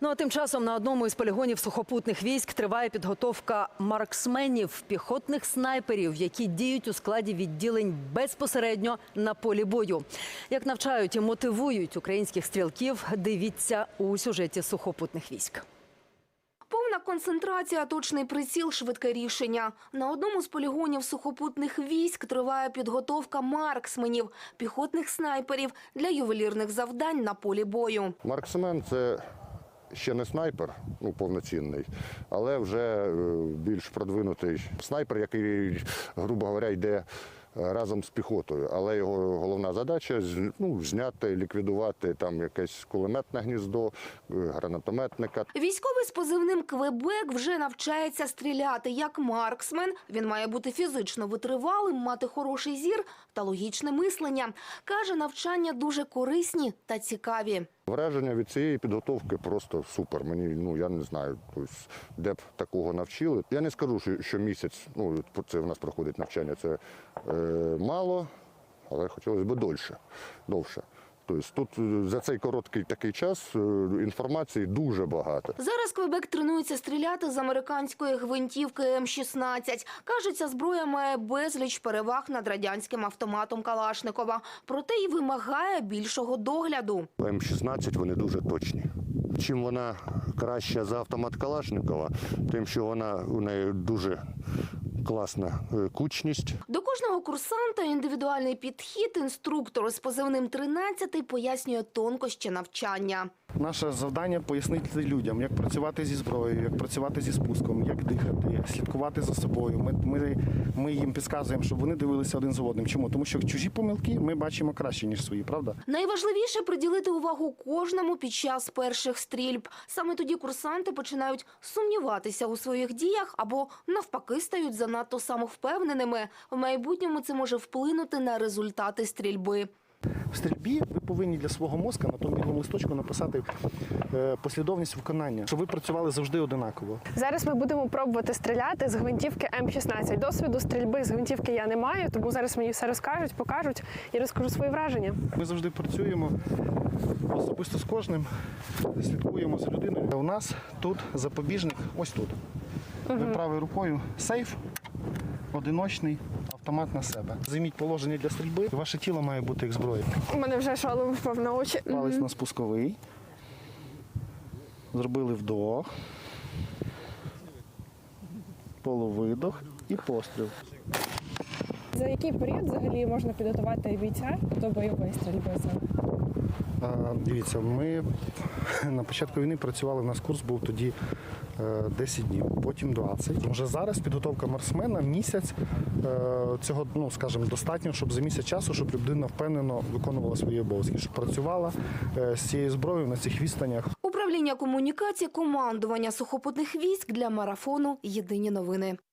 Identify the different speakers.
Speaker 1: Ну а тим часом на одному із полігонів сухопутних військ триває підготовка марксменів, піхотних снайперів, які діють у складі відділень безпосередньо на полі бою. Як навчають і мотивують українських стрілків, дивіться у сюжеті сухопутних військ.
Speaker 2: Повна концентрація, точний приціл, швидке рішення. На одному з полігонів сухопутних військ триває підготовка марксменів, піхотних снайперів для ювелірних завдань на полі бою.
Speaker 3: Марксмен – це ще не снайпер, повноцінний, але вже більш продвинутий снайпер, який, грубо говоря, йде разом з піхотою. Але його головна задача зняти, ліквідувати там якесь кулеметне гніздо, гранатометника.
Speaker 2: Військовий з позивним «Квебек» вже навчається стріляти як марксмен. Він має бути фізично витривалим, мати хороший зір та логічне мислення. Каже, навчання дуже корисні та цікаві.
Speaker 3: Враження від цієї підготовки просто супер. Мені, я не знаю, де б такого навчили. Я не скажу, що місяць, це в нас проходить навчання, це мало, але хотілося б довше. Тобто тут за цей короткий такий час інформації дуже багато.
Speaker 2: Зараз «Квебек» тренується стріляти з американської гвинтівки М-16. Каже, ця зброя має безліч переваг над радянським автоматом Калашникова. Проте й вимагає більшого догляду.
Speaker 3: М-16 вони дуже точні. Чим вона краща за автомат Калашникова, тим, що у неї дуже класна кучність.
Speaker 2: До кожного курсанта індивідуальний підхід. Інструктор з позивним 13 пояснює тонкощі навчання.
Speaker 4: Наше завдання – пояснити людям, як працювати зі зброєю, як працювати зі спуском, як дихати, слідкувати за собою. Ми їм підказуємо, щоб вони дивилися один за одним. Чому? Тому що чужі помилки ми бачимо краще, ніж свої, правда?
Speaker 2: Найважливіше – приділити увагу кожному під час перших стрільб. Саме тоді курсанти починають сумніватися у своїх діях або навпаки стають занадто самовпевненими. В майбутньому це може вплинути на результати стрільби.
Speaker 4: В стрільбі ви повинні для свого мозка на тому білому листочку написати послідовність виконання, щоб ви працювали завжди одинаково.
Speaker 5: Зараз ми будемо пробувати стріляти з гвинтівки М-16. Досвіду стрільби з гвинтівки я не маю, тому зараз мені все розкажуть, покажуть і розкажу свої враження.
Speaker 4: Ми завжди працюємо особисто з кожним, слідкуємо за людиною. У нас тут запобіжник ось тут. Ви правою рукою сейф, одиночний, автомат на себе. Займіть положення для стрільби. Ваше тіло має бути як зброя.
Speaker 5: У мене вже шолом впав на очі.
Speaker 4: Палець на спусковий. Зробили вдох. Полувидох і постріл.
Speaker 5: За який період взагалі можна підготувати бійця до бойової стрільби?
Speaker 4: Дивіться, ми на початку війни працювали, у нас курс був тоді 10 днів, потім 20. Вже зараз підготовка марксмена місяць, цього, скажімо, достатньо, щоб за місяць часу, щоб людина впевнено виконувала свої обов'язки, щоб працювала з цією зброєю на цих відстанях.
Speaker 2: Управління комунікації командування сухопутних військ для марафону «Єдині новини».